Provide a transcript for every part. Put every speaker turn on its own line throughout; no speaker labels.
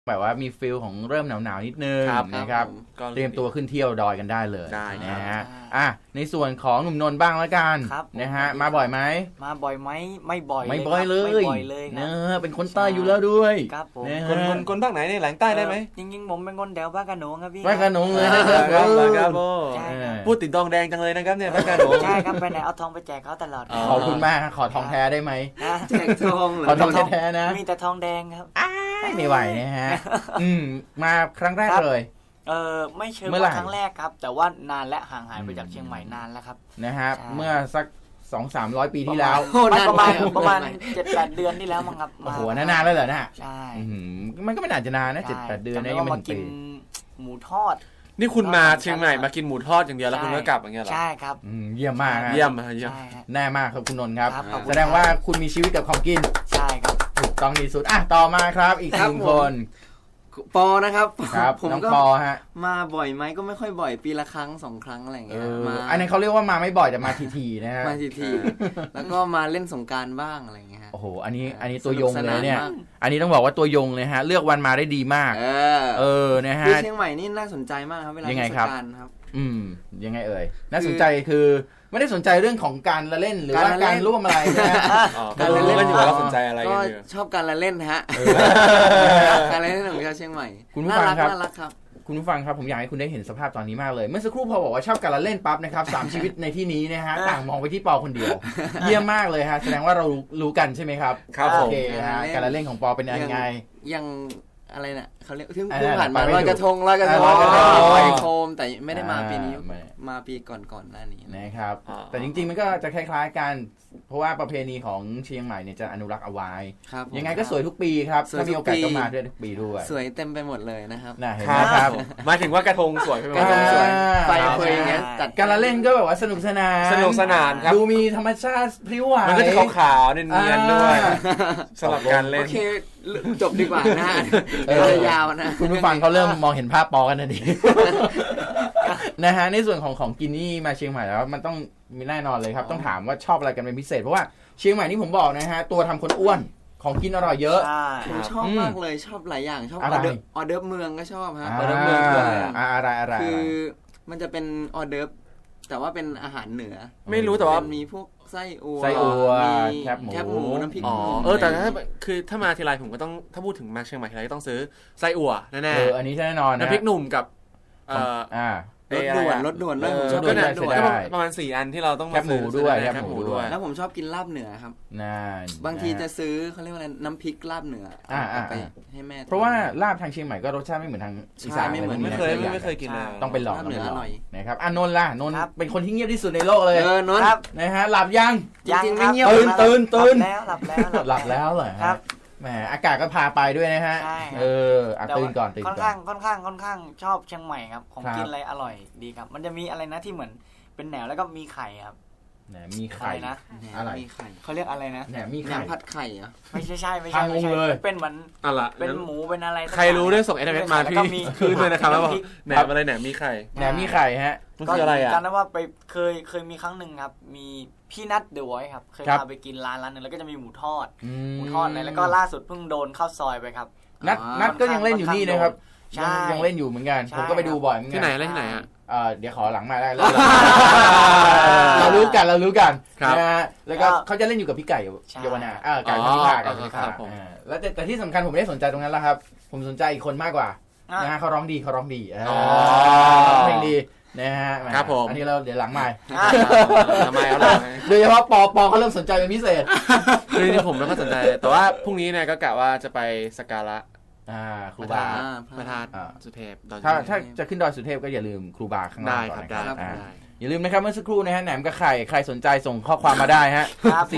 แบบว่ามีฟีลของเริ่มหนาวๆนิดนึงนะครับเตรียมตัวขึ้นเที่ยวดอยกันได้เลยนะฮะในส่วนของหนุ่มนนท์บ้างแล้วกันนะฮะมาบ่อยไหม
มาบ่อยไหมไม่บ่อย
เลยเนอะเป็นคนใต้อยู่แล้วด้วย
ครับผม
คนภาคไหนเนี่ยแหลงใต้ได้ไหม
จริงๆผมเป็นคนแถวบ้านกระหนงครับพี่
บ้านกระหนงเลยนะครับ
พูดติดทองแดงจังเลยนะครับเนี่ยบ้านกระหนง
ใช่ครับไปไหนเอาทองไปแจกเขาตลอด
ขอบคุณมากขอทองแท้ได้ไหม
แจกทอง
ขอทองแท้นะ
มีแต่ทองแดงครับ
ไม่ไหวนะฮะมาครั้งแรกเลย
ไม่เชิงว่าครั้งแรกครับแต่ว่านานและห่างหายไปจากเชียงใหม่นานแล้วครับ
นะฮะเมื่อสัก200-300 ปีที่แล้ว
ประมาณ 7-8 เดือนที่แล้วมั้งครับ
โอ้โหนานแล้วเหรอนะ
ใช่
มันก็ไม่นานจะนานนะ 7-8 เดือนนี่ยังไม่ถึงปี
หมูทอด
นี่คุณมาเชียงใหม่มากินหมูทอดอย่างเดียวแล้วคุณก็กลับอย่างเงี้ยเหรอ
ใช่ครับ
เยี่ยมมาก
เยี่ยม
แน่มากครับคุณนนท์ครับแสดงว่าคุณมีชีวิตกับของกิน
ใช่ครับ
ถูกต้องที่สุดต่อมาครับอีกหนึ่งคน
ปอนะครับ
ผมก็
มาบ่อยไหมก็ไม่ค่อยบ่อยปีละครั้ง2 ครั้งอะไรเงี้ย
อันนี้เขาเรียกว่ามาไม่บ่อยแต่มาทีๆนะฮะ
มาทีๆแล้วก็มาเล่นสงกรานต์บ้างอะไรเงี้ย
โอ้โหอันนี้ตัวยงเลยเนี่ยอันนี้ต้องบอกว่าตัวยงเลยฮะเลือกวันมาได้ดีมากนะฮะ
เชียงใหม่นี่น่าสนใจมากครับเวลาเล่นสงกรานต์ครับ
ยังไงเอ่ยน่าสนใจคือไม่ได้สนใจเรื่องของการละเล่นหรือว่าการร่วมอะไรนะ
การละเล่นอยู่แล้วสนใจอะไร
ก็ชอบการละเล่นฮะการละเล่นของชาวเชียงใหม่
คุณผู้ฟังครับคุณผู้ฟังครับผมอยากให้คุณได้เห็นสภาพตอนนี้มากเลยเมื่อสักครู่พอบอกว่าชอบการละเล่นปั๊บนะครับ3 ชีวิตในที่นี้นะฮะต่างมองไปที่ปอคนเดียวเยี่ยมมากเลยฮะแสดงว่าเรารู้กันใช่ไหมครับโอเคฮะการละเล่นของปอเป็นยังไง
ยังอะไรเนี่ยเขาเรียกที่ผ่านมาลอยกระทงลอยโคมแต่ไม่ได้มาปีนี้มาปีก่อนหน้านี้
นะครับแต่จริงๆมันก็จะคล้ายๆกันเพราะว่าประเพณีของเชียงใหม่เนี่ยจะอนุรักษ์เอาไว้ยังไงก็สวยทุกปีครับถ้ามีโอกาสก็มาด้วยทุกปีด้วย
สวยเต็มไปหมดเลยนะครับ
เห็นไหมครับ
หมายถึงว่ากระทงสวย
กระทงสวยไฟเฟยอย่างเงี้ย
จัดการละเล่นก็แบบว่าสนุกสนาน
ครับ
ดูมีธรรมชาติพลิ้วไหว
มันก็จะขาวๆเนียนๆด้วยสลับการเล่น
โอเคจบดีกว่านะยาวนะ
คุณผู้ฟังเขาเริ่มมองเห็นภาพปอกันทันทีนะฮะในส่วนของกินนี่มาเชียงใหม่แล้วมันต้องมีแน่นอนเลยครับต้องถามว่าชอบอะไรกันเป็นพิเศษเพราะว่าเชียงใหม่นี่ผมบอกนะฮะตัวทำคนอ้วนของกินอร่อยเยอะ
ผมชอบมากเลยชอบหลายอย่างชอบออเดิร์ฟเมืองก็ชอบฮะออเดิร์ฟ
เมื
อง
คืออะไร
คือมันจะเป็นออเดิร์ฟแต่ว่าเป็นอาหารเหนือ
ไม่รู้แต่ว่า
มีพวกไส้อัว
แคบหมู
น้ำพริก
แต่ถ้ามาทีไรผมก็ต้องถ้าพูดถึงมาเชียงใหม่ทีไรก็ต้องซื้อไส้อั่วแน่
ๆอันนี้แน่นอน
น้ำพริกหนุ่มกับ
รถด่วนด้วย
ก็ประมาณ4 อันที่เราต้องมาซื้อ
ด้วย
แคบหมูด้วย
แล้วผมชอบกินลาบเหนือครับบางทีจะซื้อเขาเรียกว่าอะไรน้ำพริกลาบเหนือไปให้แม่
เพราะว่าลาบทางเชียงใหม่ก็รสชาติไม่เหมือนทางอีสาน
ไม่เคยกินเลย
ต้องไปลอง
เหนืออร่อย
นะครับนนท์ล่ะนนท์เป็นคนที่เงียบที่สุดในโลกเลย
นนท์
นะฮะหลับยัง
จริงๆไม่เงียบ
ตื่น
หลับแล้ว
เหรอครับแหมอากาศก็พาไปด้วยนะฮะตื่นก่อน
ค่อนข้างชอบเชียงใหม่ครับของกินอะไรอร่อยดีครับมันจะมีอะไรนะที่เหมือนเป็นแหนวแล้วก็มีไข่ครับ
แหนมีไข่
นะ
อะไร
เขาเรียกอะไรนะ
แหนมีไข่
ผัดไข่เหรอ
ไม่ใช่เป็นเหมือนเป็นหมูเป็นอะไร
ใครรู้เรื่องส่ง SMS มาพี่คือเลยนะครับว่าแหนมอะไรแหนมีไข่
ฮะ
มันคืออะไรอ่ะ
จำได้ว่าไปเคยมีครั้งหนึ่งครับมีพี่นัทเดอะวอยซ์ครับเคยพาไปกินร้านนึงแล้วก็จะมีหมูทอดอะไรแล้วก็ล่าสุดเพิ่งโดนเข้าซอยไปครับ
นัทก็ยังเล่นอยู่นี่นะครับยังเล่นอยู่เหมือนกันผมก็ไปดูบ่อยเหมือนกัน
ที่ไหนเล่นที่ไหนอ่ะ
เดี๋ยวขอหลังมาได้เรารู้กันนะฮะแล้วก็เขาจะเล่นอยู่กับพี่ไก่เยาวนาไก่พิพาแล้วแต่ที่สำคัญผมไม่ได้สนใจตรงนั้นแล้วครับผมสนใจอีกคนมากกว่านะฮะเขาร้องดีเพลงดีนะฮะ
ครับผม
อันนี้เราเดี๋ยวหลังใหม่
ทำไม
โดยเฉพาะปอเขาเริ่มสนใจเป็นพิเศษ
คือผมไม่ค่อยสนใจแต่ว่าพรุ่งนี้เนี่ยก็กะว่าจะไปสักการะ
ครูบา
พระธาตุสุเทพ
ถ้าจะขึ้นดอยสุเทพก็อย่าลืมครูบาข้างล่างก่อน
นะครับ
อย่าลืมนะครับเมื่อสักครู่นะฮะแหนมกับไข่ใครสนใจส่งข้อความมาได้ฮะ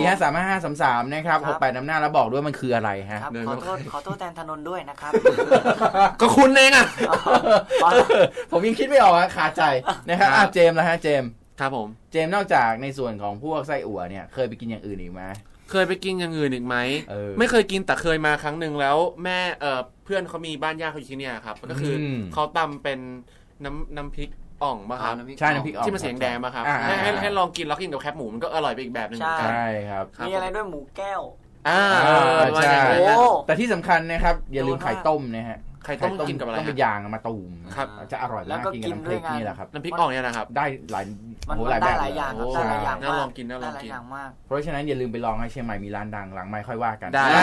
4535533นะครับ68น้ำหน้าแล้วบอกด้วยมันคืออะไรฮะ
ขอโทษแทนธนนท์ด้วยนะครับ
ก็คุณเองอ่ะ
ผมยังคิดไม่ออกขาดใจนะครับเจมส์นะฮะเจมส์
ครับผม
เจมส์นอกจากในส่วนของพวกไส้อั่วเนี่ยเคยไปกินอย่างอื่นอีกไหม
เคยไปกินอย่างอื่นอีกไหมไม่เคยกินแต่เคยมาครั้งหนึ่งแล้วแม่เพื่อนเขามีบ้านญาติเขาอยู่ที่นี่ครับก็คือเขาตำเป็นน้ำพริกอ่องป่ะครับ
ใช่น้ำพริกอ่อง
ที่มันเสียงแดงป่ะครับให้ลองกินแล้วกินกับแคบหมูมันก็อร่อยไปอีกแบบนึง
ใช่ครับ
มีอะไรด้วยหมูแก้ว
ใช่แต่ที่สำคัญนะครับอย่าลืมไข่ต้มนะฮะ
ไข่ต้มกินกับอะไร
ต้องเป็นยางมาตูม
ครับ
จะอร่อยมากกินกับน้ำพริกนี่แหละครับ
น้ำพริกอ่องเนี่ยนะครับ
ได้หลาย
มัน
หลายแบบ
ได้หลายอย่างครับได้หลายอย่าง
น่าลองกินน่าลองกิน
ได้หลายอย่างมาก
เพราะฉะนั้นอย่าลืมไปลองให้เชียงใหม่มีร้านดังหลังไมค์ค่อยว่ากัน
ได้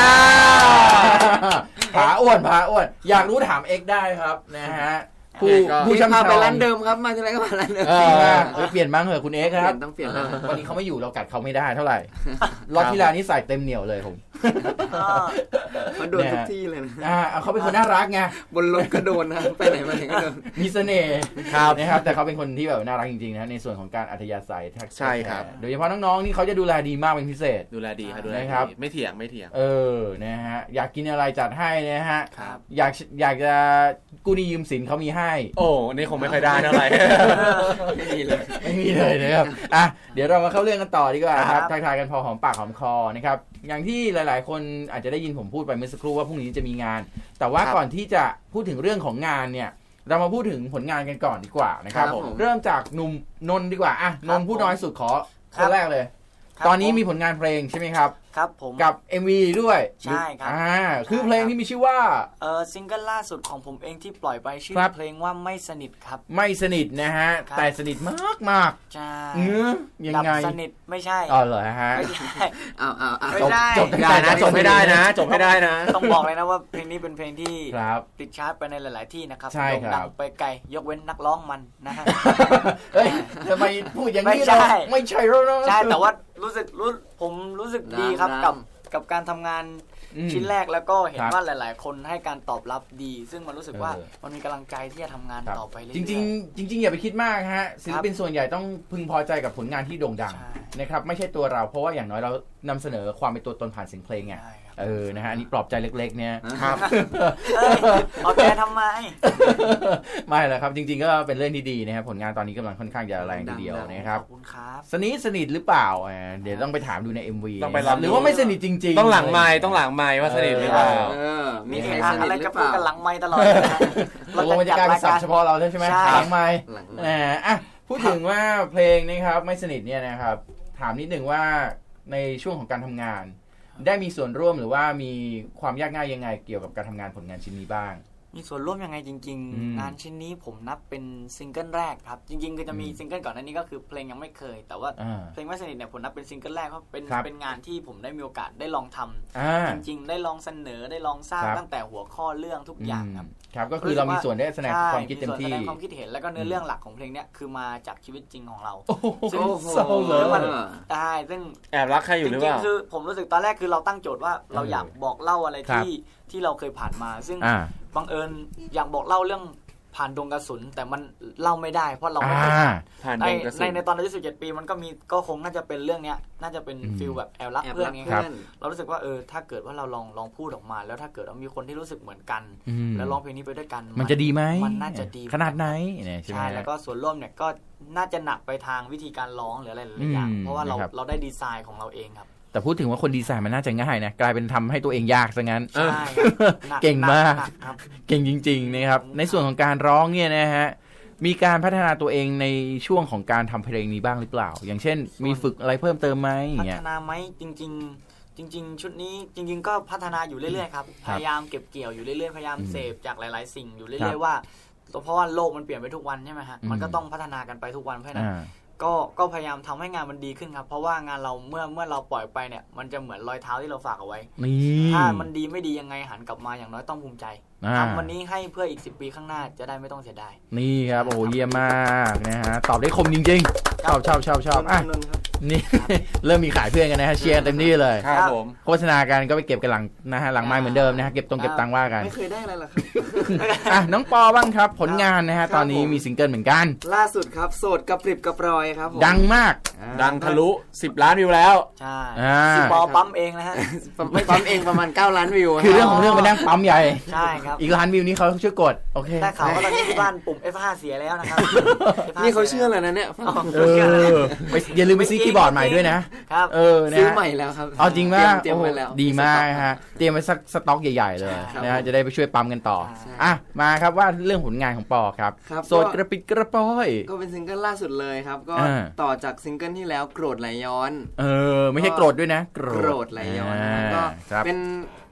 ผาอ้วนอยากรู้ถามเอ็กได้ครับนะฮะผู้ช่ำชอง
ไปร้านเดิมครับมาที่ไรก็มาร้านเดิม
เปลี่ยนบ้างเหอะคุณเอ็กครับ
ต้องเปลี่ยน
วันนี้เขาไม่อยู่เรากัดเขาไม่ได้เท่าไหร่รอบที่แล้วนี่ใส่เต็มเหนียวเลยผม
มาโดนทุกที่เลยนะ
เขาเป็นคนน่ารักไง
บนรถก็โดนนะไปไหนมาไหนก็โดน
มีเสน่ห์นะครับแต่เขาเป็นคนที่แบบน่ารักจริงๆนะในส่วนของการอัธยาศัยทักษะ
ใช่ครับ
โดยเฉพาะน้องๆนี่เขาจะดูแลดีมากเป็นพิเศษ
ดูแลดีครับดูแล
นะครับ
ดีไม่เถียง
นะฮะอยากกินอะไรจัดให้นะฮะ
ครับ
อยากจะกู้หนี้ยืมสินเขามีให้
โอ้นี่คงไม่ค่อยได้เท่าไหร่
ไม่มีเลย
ไม่มีเลยนะครับเดี๋ยวเรามาเข้าเรื่องกันต่อดีกว่าครับ
ครับ
ทักทายกันพอหอมปากหอมคอนะครับอย่างที่หลายๆคนอาจจะได้ยินผมพูดไปเมื่อสักครู่ว่าพรุ่งนี้จะมีงาน แต่ว่า
ครับ
ก่อนที่จะพูดถึงเรื่องของงานเนี่ยเรามาพูดถึงผลงานกันก่อนดีกว่านะครับ
ครับผม
เริ่มจากหนุ่มนนท์ดีกว่านนท์ผู้น้อยสุดขอ
ค
ครับ นแรกเลย
ครับ
ตอนนี้มีผลงานเพลงใช่ไหมครับ
ครับผม
กับ MV ด้วย
ใช่ครับ
คือเพลงที่มีชื่อว่า
ซิงเกิลล่าสุดของผมเองที่ปล่อยไปชื่อ
ครับ
เพลงว่าไม่สนิทครับ
ไม่สนิทนะฮะ
ครับ
แต่สนิทมาก
ใช่
ๆยัง
ดับ
ไง
สนิทไม่ใช่
อ๋อเหรอฮะ
ไม่ใช่
เอา
ไม่ได้
จบ
ได้นะจบไม่ได้นะจบไม่ได้นะ
ต้องบอกเลยนะว่าเพลงนี้เป็นเพลงที่
ครับ
ติดชาร์ตไปในหลาย ๆ ที่นะครับ
ใช่ครับ
โด่งดังไปไกลยกเว้นนักร้องมันนะฮะ
เฮ้ยทำไมพูดอย่างนี้
ไม่ใช่
เราไม่ใช่แล้วนะ
ใช่แต่ว่าผมรู้สึกดีครับ
ดัง
กับการทำงาน
อืม
ชิ้นแรกแล้วก็เห็
คน รับ
ว่าหลาย ๆ คนให้การตอบรับดี ซึ่งมันรู้สึกว่า
เออ
มันมีกำลังใจที่จะทำงาน
ครับ
ต่อไปเรื่อย
จ
ๆ
ริงๆอย่าไปคิดมากฮะศิลปินส่วนใหญ่ต้องพึงพอใจกับผลงานที่โด่งดัง
ใช่
นะครับไม่ใช่ตัวเราเพราะว่าอย่างน้อยเรานำเสนอความเป็นตัวตนผ่านเสียงเพลงไง
ใช่ครับ
นะฮะอันนี้ปลอบใจเล็กๆเนี่ย
ครับ
เอ้ยเอาแกทำไม
ไม่แหละครับจริงๆก็เป็นเรื่องที่ดีนะครับผลงานตอนนี้กำลังค่อนข้างจะแรงทีเดียวนะครับ
ขอบคุณครับ
สนิทหรือเปล่าเดี๋ยวต้องไปถามดูใน MV
ต้องไป
นะครับ
ลองดู
หรือว่าไม่สนิทจริงๆ
ต้องหลังไม้ว่าสนิทหรือเปล่า
มี
มี
ใคร
เหตุ
ส
การณ์
นิท
อะไร
หรื
จะ
อเป
พูด
ล่า
กันหลังไม้ตลอดเลยนะ
ตกลงมันจะกลายเป็นศัพท์เฉพาะเราใช่ไหม
ใช่
หลังไม้
หลัง
พูดถึงว่าเพลงนะครับไม่สนิทเนี่ยนะครับถามนิดหนึ่งว่าในช่วงของการทำงาน ได้มีส่วนร่วมหรือว่ามีความยากง่ายยังไงเกี่ยวกับการทำงานผลงานชิ้นนี้บ้าง
มีส่วนร่วมยังไงจริง
อืม
ๆ งานชิ้นนี้ผมนับเป็นซิงเกิลแรกครับ จริงๆคือจะมีซิงเกิลก่อนหน้านี้ก็คือเพลงยังไม่เคย แต่ว่า
อ่า
เพลงไม่สนิทเนี่ยผมนับเป็นซิงเกิลแรกเพราะเป็น
ครับ
เป็นงานที่ผมได้มีโอกาสได้ลองทำ
อ่า
จริงๆ ได้ลองเสนอได้ลองสร้าง
ครับ
ตั้งแต่หัวข้อเรื่องทุกอย่างครับ
ครับก็คือเรามีส่วนได้แสดง
ใช่
ความคิดเต็มที่
แสดงความคิดเห็นแล้วก็เนื้อเรื่องหลักของเพลงเนี้ยคือมาจากชีวิตจริงของเรา
โอ้โห
ซึ่ง
เศร้าเลย
ใช่ซึ่ง
แอบรักใครอยู่หรือ
จ
เป
ริง
ล่า
ๆคือผมรู้สึกตอนแรกคือเราตั้งโจทย์ว่าเราอยากบอกเล่าอะไร
ครับ
ที่เราเคยผ่านมา ซึ่ง
อ่า
บังเอิญอยากบอกเล่าเรื่องผ่านดงกระสุน แต่มันเล่าไม่ได้เพราะเราไม่
อ่า
เคยผ่าน
ผ่าน
ใน
ดงกระสุน
ในตอนอายุ17 ปีมันก็คงน่าจะเป็นเรื่องเนี้ยน่าจะเป็น
อืม
ฟิลแบบแอบรัก
แอบ
เพื่อ
รั
น
ก
ไง
เพื่อน
เรารู้สึกว่าถ้าเกิดว่าเราลองพูดออกมา แล้วถ้าเกิดว่ามีคนที่รู้สึกเหมือนกัน
อืม
แล้วร้องเพลงนี้ไปด้วยกัน
มันจะดีไหม
มันน่าจะดี
ขนาดไหนเนี่ยใช่ไหม
ใช่
ฮะ
แล้วก็ส่วนร่วมเนี่ยก็น่าจะหนักไปทางวิธีการร้องหรืออะไรหลายๆอย่าง
อืม
เพราะว่าเรา
นะครับ
เราได้ดีไซน์ของเราเองครับ
แต่พูดถึงว่าคนดีไซน์มันน่าจะง่ายนะกลายเป็นทำให้ตัวเองยากซะงั้น
ใช่ครับหนั
เก่งมาก
หนัครับ
เก่งจริงๆนะครับในส่วนของการร้องเนี่ยนะฮะมีการพัฒนาตัวเองในช่วงของการทำเพลงนี้บ้างหรือเปล่า อย่างเช่น มีฝึกอะไรเพิ่มเติมไหมอ
พั
ย่าง
ฒ
เงี้ย
นาไหมจริง ๆ ชุดนี้จริง ๆ ก็พัฒนาอยู่เรื่อยๆครับ
ครับ
พยายามเก็บเกี่ยวอยู่เรื่อยๆพยายาม
อืม
เสพจากหลายๆ สิ่งอยู่
ครั
เรื่อย
บ
ๆว่าเพราะว่าโลกมันเปลี่ยนไปทุกวันใช่ไหมฮะ
อืม
มันก็ต้องพัฒนากันไปทุกวันเพราะฉะนั้น
อ่า
ก็พยายามทำให้งานมันดีขึ้นครับเพราะว่างานเราเมื่อเราปล่อยไปเนี่ยมันจะเหมือนรอยเท้าที่เราฝากเอาไว้
นี่
ถ้ามันดีไม่ดียังไงหันกลับมาอย่างน้อยต้องภูมิใจ
อ่า
ทำวันนี้ให้เพื่ออีก10 ปีข้างหน้าจะได้ไม่ต้องเสียดาย
นี่ครับโอ้เยี่ยมมากนะฮะตอบได้คมจริงๆชอบอ่ะ
นนท์ครับ
นี่ เริ่มมีขายเพื่อนกันนะฮะเชียร์เต็มที่เลย
ครับผม
โฆษณากันก็ไปเก็บกันหลังนะฮะหลังไม้เหมือนเดิมนะฮะเก็บตังค์ว่ากัน
ไม่เคยได้อะไรหรอกครับ
อ่ะน้องปอบ้างครับผลงานนะฮะ
ครับ
ตอนนี้
ผม
มีซิงเกิลเหมือนกัน
ล่าสุดครับโสดกระปริบกระปรอยครับผม
ดังมาก
ดังทะลุ10 ล้านวิวแล้ว
ใช่
อ่า
ปอปั๊มเองนะฮะ
ไม่ปั๊มเองประมาณ9 ล้านวิว
คือเรื่องของเรื่องไปนั่งปั๊มใหญ่
ใช่ครับ
อีกล้านวิวนี้เขาช่วยกดโอเค
ได้ข่าวว่าตอนนี้ที่บ้านปุ่ม F5 เสียแล้วนะครับ F5
นี่เขาเชื่อเลยนะเนี่ย
เออไปอย่าลืมไปซื้อคีย์บอร์ดใหม่ด้วยนะ
ครับ
นะ
ซื้อ
ฮะ
ใหม่แล้วครับ
เอาจริงมาก
เตรียมไว้แล้ว
โอ้โหดีมากฮะเตรียมไว้สักสต็อกใหญ่ๆเลย
ใช่
นะฮะจะได้ไปช่วยปั๊มกันต่อ
ใช่
อ่ะมาครับว่าเรื่องผลงานของปอครับ
ครับ
โสดกระปิดกระปอย
ก็เป็นซิงเกิลล่าสุดเลยครับ ก็
อ่า
ต่อจากซิงเกิลที่แล้วโกรธไหลย้อน
ไม่ใช่โกรธด้วยนะ
โกรธไหลย้อนนะครับก็
ครับ
เป็น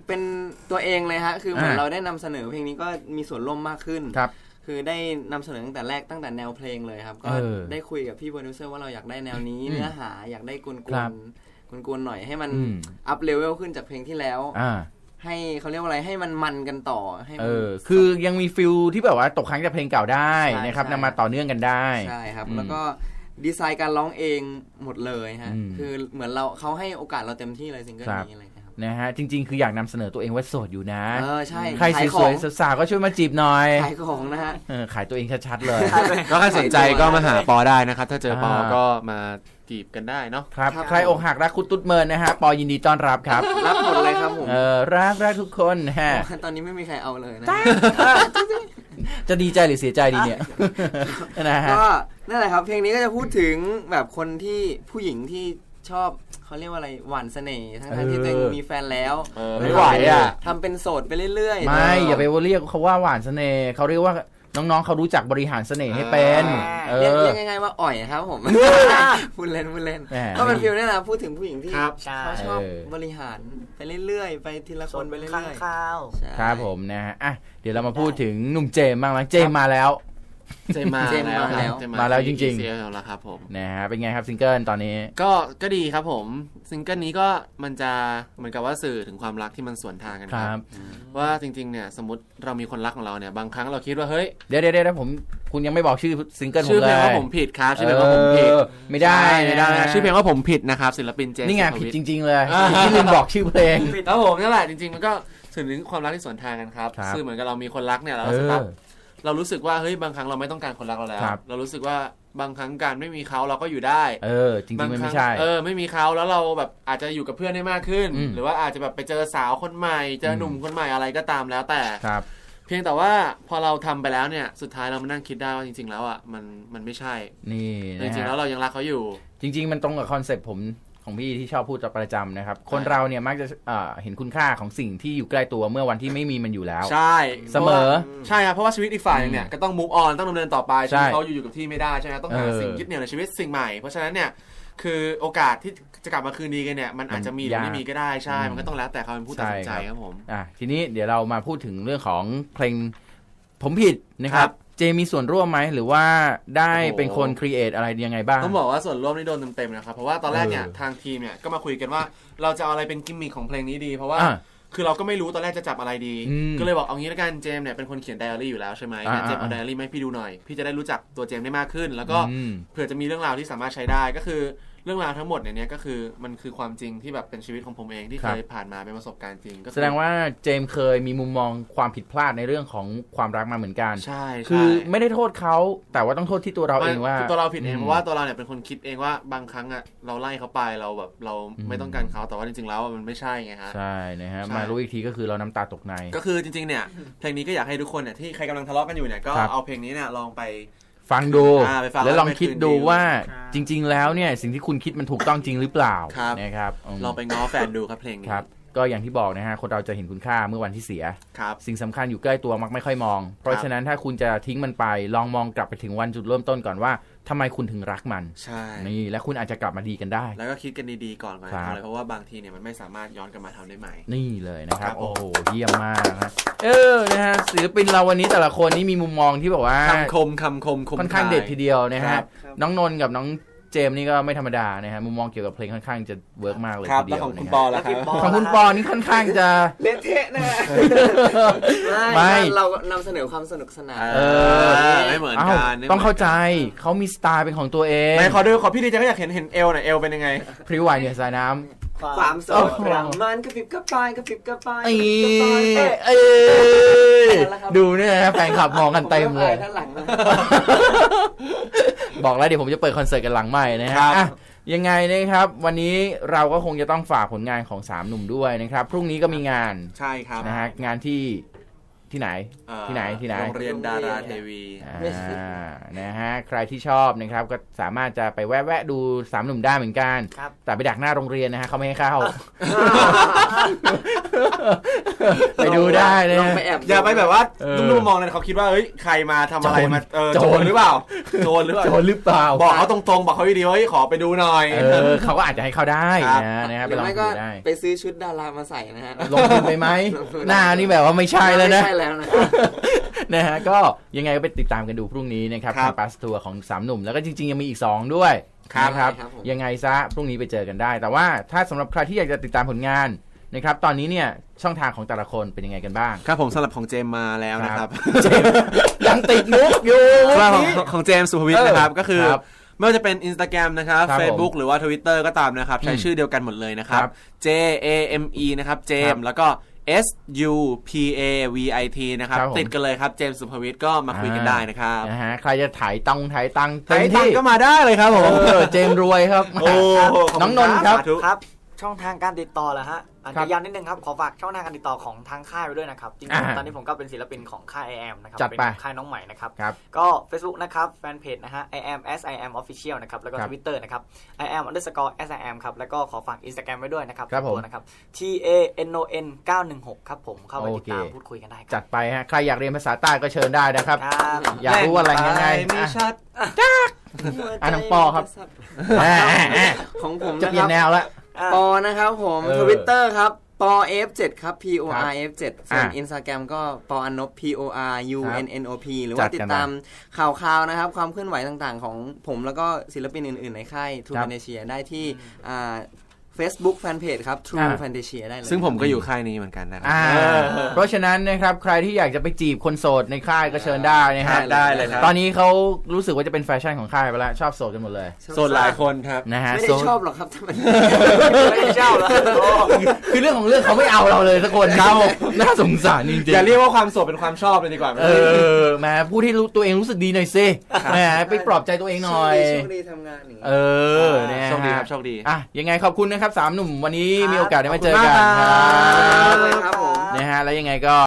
เป็นตัวเองเลยฮะคือเหมือนเราได้นำเสนอเพลงนี้ก็มีส่วนร่วมมากขึ้น
ครับ
คือได้นำเสนอตั้งแต่แรกตั้งแต่แนวเพลงเลยครับก็ได้คุยกับพี่โปรดิวเซอร์ว่าเราอยากได้แนวนี้เนื้อหาอยากได้กวนๆหน่อยให้มันอัพเลเวลขึ้นจากเพลงที่แล้วให้เขาเรียกว่าอะไรให้มันกันต่อให้
คือยังมีฟิลที่แบบว่าตกค้างจากเพลงเก่าได้นะครับนำมาต่อเนื่องกันได้
ใช่ครับแล้วก็ดีไซน์การร้องเองหมดเลยฮะคือเหมือนเขาให้โอกาสเราเต็มที่เลยซิงเกิลนี้อะไร
นะฮะจริงๆคืออยากนำเสนอตัวเองว่าโสดอยู่นะ
ใช่
ใครสวยๆสาวๆก็ช่วยมาจีบหน่อย
ขายของนะฮะ
ขายตัวเองชัดๆเลย
ก็ถ้าสนใจก็มาหาปอได้นะครับถ้าเจอปอก็มาจีบกันได้เนาะ
ครับใครอกหักรักคุณตุ๊ดเมินนะฮะปอยินดีต้อนรับครับ
รับหมดเลยครับผม
รักทุกคนฮะ
ตอนนี้ไม่มีใครเอาเลยนะ
จะดีใจหรือเสียใจดีเนี่ยนะฮะ
ก็นั่นแหละครับเพลงนี้ก็จะพูดถึงแบบคนที่ผู้หญิงที่ชอบเขาเรียกว่าอะไรหวานเสน่ห์ทั้งที่ตัวเองมีแฟนแล้ว
ไม่ไหว
ทำเป็นโสดไปเรื่อย
ๆไม่อย่าไปเรียกเขาว่าหวานเสน่ห์เขาเรียกว่าน้องๆเขารู้จักบริหารเสน่ห์ให้เป็น
เรียกง่ายๆว่าอ่อยครับผมพูดเล่นก็เป็นฟิลนี่แหละพูดถึงผู้หญิงที่เขาชอบบริหารไปเรื่อยๆไปทีละคนไปเรื่อย
ๆครับผมนะฮะเดี๋ยวเรามาพูดถึงหนุ่มเจมส์บ้างนะเจมส์มาแล้ว
มา
แล้วจริง
ๆแล้วครับผม
นะฮะเป็นไงครับซิงเกิลตอนนี้
ก็ดีครับผมซิงเกิลนี้ก็มันจะเหมือนกับว่าสื่อถึงความรักที่มันสวนทางกันครับว่าจริงๆเนี่ยสมมติเรามีคนรักของเราเนี่ยบางครั้งเราคิดว่าเฮ้ย
เดี๋ยวคุณยังไม่บอกชื่อซิงเกิลผมเลย
ชื่อเพลงว่าผมผิดครับชื่อเพลงว่าผมผิด
ไม่ได้
ชื่อเพลงว่าผมผิดนะครับศิลปินเจมส์
นี่ไงผิดจริงๆเลยที่ลืมบอกชื่อเพลง
ครับผมนั่นแหละจริงๆมันก็สื่อถึงความรักที่สวนทางกันครับคือเหมือนกับเรามีคนรักเนี่ยเรารู้สึกว่าเฮ้ยบางครั้งเราไม่ต้องการคนรักเราแล้วเรารู้สึกว่าบางครั้งการไม่มีเขาเราก็อยู่ได้
จริงๆไม่ใช่
ไม่มีเขาแล้วเราแบบอาจจะอยู่กับเพื่อนได้มากขึ้นหรือว่าอาจจะแบบไปเจอสาวคนใหม่เจอหนุ่มคนใหม่อะไรก็ตามแล้วแต่เพียงแต่ว่าพอเราทำไปแล้วเนี่ยสุดท้ายเรามานั่งคิดได้ว่าจริงๆแล้วอ่ะมันไม่ใช่
นี่
จริงๆแล้วเรายังรักเขาอยู่
จริงๆมันตรงกับคอนเซ็ปต์ผมของพี่ที่ชอบพูดประจำนะครับคนเราเนี่ยมักจะเห็นคุณค่าของสิ่งที่อยู่ใกล้ตัวเมื่อวันที่ไม่มีมันอยู่แล้ว
ใช่
เสมอ
ใช่ครับเพราะว่าชีวิตอีกฝ่ายเนี่ยก็ต้อง move on ต้องดำเนินต่อไปชีวิตเขาอยู่กับที่ไม่ได้ใช่ไหมต้องหาสิ่งยึดเหนี่ยวในชีวิตสิ่งใหม่เพราะฉะนั้นเนี่ยคือโอกาสที่จะกลับมาคืนดีกันเนี่ยมันอาจจะมีหรือไม่มีก็ได้ใช่มันก็ต้องแล้วแต่เขาเป็นผู้ตัดสินใจครับผม
ทีนี้เดี๋ยวเรามาพูดถึงเรื่องของเพลงผมผิดนะครับเจมีส่วนร่วมไหมหรือว่าได้เป็นคนครีเอทอะไรยังไงบ้าง
ต้องบอกว่าส่วนร่วมนี่โดนเต็มๆนะครับเพราะว่าตอนแรกเนี่ยทางทีมเนี่ยก็มาคุยกันว่าเราจะเอาอะไรเป็นกิมมิคของเพลงนี้ดีเพราะว่าคือเราก็ไม่รู้ตอนแรกจะจับอะไรดีก็เลยบอกเอางี้ละกันเจมเนี่ยเป็นคนเขียนไดอารี่อยู่แล้วใช่ไหมเจมเอาไดอารี่มาให้พี่ดูหน่อยพี่จะได้รู้จักตัวเจมได้มากขึ้นแล้วก็เผื่อจะมีเรื่องราวที่สามารถใช้ได้ก็คือเรื่องราวทั้งหมดเนี่ยก็คือมันคือความจริงที่แบบเป็นชีวิตของผมเองที่เคยผ่านมาเป็นประสบการณ์จริงก็
แสดงว่าเจมเคยมีมุมมองความผิดพลาดในเรื่องของความรักมาเหมือนกัน
ใช่
คือไม่ได้โทษเขาแต่ว่าต้องโทษที่ตัวเราเองว่า
ตัวเราผิดเองเพราะว่าตัวเราเนี่ยเป็นคนคิดเองว่าบางครั้งอ่ะเราไล่เขาไปเราแบบเราไม่ต้องการเขาแต่ว่าจริงๆแล้วมันไม่ใช่ไงฮะ
ใช่นะฮะมารู้อีกทีก็คือเราน้ำตาตกใน
ก็คือจริงๆเนี่ยเพลงนี้ก็อยากให้ทุกคนเนี่ยที่ใครกำลังทะเลาะกันอยู่เนี่ยก็เอาเพลงนี้เนี่ยลองไป
ฟังดูแล้วลองคิดดูว่าจริงๆแล้วเนี่ยสิ่งที่คุณคิดมันถูกต้องจริงหรือเปล่านะครับ
ลองไปง้อแฟนดูครับเพลงนี้
ครับก็อย่างที่บอกนะฮะคนเราจะเห็นคุณค่าเมื่อวันที่เสียสิ่งสำคัญอยู่ใกล้ตัวมักไม่ค่อยมองเพราะฉะนั้นถ้าคุณจะทิ้งมันไปลองมองกลับไปถึงวันจุดเริ่มต้นก่อนว่าทำไมคุณถึงรักมัน
ใช่
นี่และคุณอาจจะกลับมาดีกันได้
แล้วก็คิดกันดีๆก่อนเลยเพราะว่าบางทีเนี่ยมันไม่สามารถย้อนกลับมาทำได้ใหม่
นี่เลยนะครับโอ้โหเยี่ยมมากนะนะฮะศิลปินเราวันนี้แต่ละคนนี่มีมุมมองที่แบบว่า
คำคม
ค่อนข้างเด็ดทีเดียวนะฮะน้องนนท์กับน้องเจมนี่ก็ไม่ธรรมดานะฮะมุมมองเกี่ยวกับเพลงค่อนข้างจะเวิร์กมากเลยทีเดียว
ของคุณปอแล้วครับ
ของคุณปอนี่ค่อนข้างจะ
เละเทะนะไม่เรานำเสนอความสนุกสนาน
ไม่เหมือนกัน
ต้องเข้าใจเขามีสไตล์เป็นของตัวเอง
ไม่ขอพี่ดีใจก็อยากเห็นเอลหน่อยเอลเป็นยังไง
พริ้วไหวเหนือสายน้ำ
ความโสดรังมันกระปิบกระปายกระปิบกระปาย
ดูเนี่ยแฟนคลับมองกันเต็มเลยบอกแล้วเดี๋ยวผมจะเปิดคอนเสิร์ตกันหลังใหม่นะฮะยังไงนะครับวันนี้เราก็คงจะต้องฝากผลงานของ3หนุ่มด้วยนะครับพรุ่งนี้ก็มีงาน
ใช่ครับ
นะฮะงานที่ที่ไหนที่ไหน
โรงเรียนดาราเทวี
นะฮะใครที่ชอบนะครับก็สามารถจะไปแวะดูสามหนุ่มได้เหมือนกันแต่ไปดักหน้าโรงเรียนนะฮะเขาไม่ให้เข้าไปดูได้เลย
อย่าไปแบบว่านุ่มๆมองเลยเขาคิดว่าเฮ้ยใครมาทำอะไรมาโจรหรือเปล่าโจรหรือเปล่าบอกเขาตรงๆบอกเขาดีๆว่าขอไปดูหน่อย
เขาก็อาจจะให้เข้าได้นะครับไปลองดูได้
ไปซื้อชุดดารามาใส่นะฮะ
ลงทุนไปไหมหน้านี่แบบว่าไม่ใช่แล้วนะ
ไม่ใช่แล้ว
นะฮะก็ยังไงก็ไปติดตามกันดูพรุ่งนี้นะครับทางบัสทัวร์ของ3หนุ่มแล้วก็จริงๆยังมีอีก2ด้วยนะครับยังไงซะพรุ่งนี้ไปเจอกันได้แต่ว่าถ้าสำหรับใครที่อยากจะติดตามผลงานนะครับตอนนี้เนี่ยช่องทางของแต่ละคนเป็นยังไงกันบ้าง
ครับผมสำหรับของเจมมาแล้วนะครับ
ยังติดมุกอยู่
ของเจมสุภวิทย์นะครับก็คือไม่ว่าจะเป็น Instagram นะครับ Facebook หรือว่า Twitter ก็ตามนะครับใช้ชื่อเดียวกันหมดเลยนะครับ JAME นะครับเจมแล้วก็ SUPAVIT นะครับติดกันเลยครับเจมส์สุภวิทย์ก็มาคุยกันได้นะครับ
นะฮะใครจะถ่ายตัง
ก็มาได้เลยครับผม
เจมรวยครับน้องนนท์
ครับช่องทางการติดต่อเหรอฮะอาจจะย้ำนิดนึงครับขอฝากช่องทางการติดต่อของทางค่ายไว้ด้วยนะครับจริงๆตอนนี้ผมก็เป็นศิลปินของค่าย IAM นะครับเป็นค่ายน้องใหม่นะครับก็ Facebook นะครับแฟนเพจนะฮะ IAM SIAM Official นะครับแล้วก็ Twitter นะครับ IAM_SIAM ครับแล้วก็ขอฝาก Instagram ไว้ด้วยนะครับตัวนะครับ TANON 916ครับผมเข้าไปติดตามพูดคุยกันได้
จัดไปฮะใครอยากเรียนภาษาใต้ก็เชิญได้นะครับอยากรู้อะไรยังไง
ชัด
น้องปอครับ
ของผม
จะเปลี่ยนแนวละ
ปอนะครับผม Twitter ครับปอ F7 ครับ PORF7 ส่วน Instagram ก็ปออันนบ PORUNNOP หรือว่าติดตามข่าวๆนะครับความเคลื่อนไหวต่างๆของผมแล้วก็ศิลปินอื่นๆในค่าย True Fantasia ได้ที่Facebook Fanpage ครับ True Fantasia ได้เลย
ซึ่งผมก็อยู่ค่ายนี้เหมือนกันนะครับ
เพราะฉะนั้นนะครับใครที่อยากจะไปจีบคนโสดในค่ายก็เชิญได้นะฮะ
ได้เลยครับ
ตอนนี้เขารู้สึกว่าจะเป็นแฟชั่นของค่ายไปแล้วชอบโสดกันหมดเลย
โสดหลายคนครับ
นะฮะ
ไม่ได้ชอบหรอกครับ
ไม่ได้ชอบหรอก
คือเรื่องของเรื่องเขาไม่เอาเราเลยสักคนครับน่าสงสารจริงๆ
อย่าเรียกว่าความโสดเป็นความชอบเลยดีกว่า
แหมพูดให้ตัวเองรู้สึกดีหน่อยสิแหมไปปลอบใจตัวเองหน่อย
โชคดีทำงานอย่าง
นี้
โชคดีครับโชคดี
ยังไงขอบคุณนะครับ3หนุ่มวันนี้มีโอกาสได้มาเจอกันครับนะฮะแล้วยังไงก็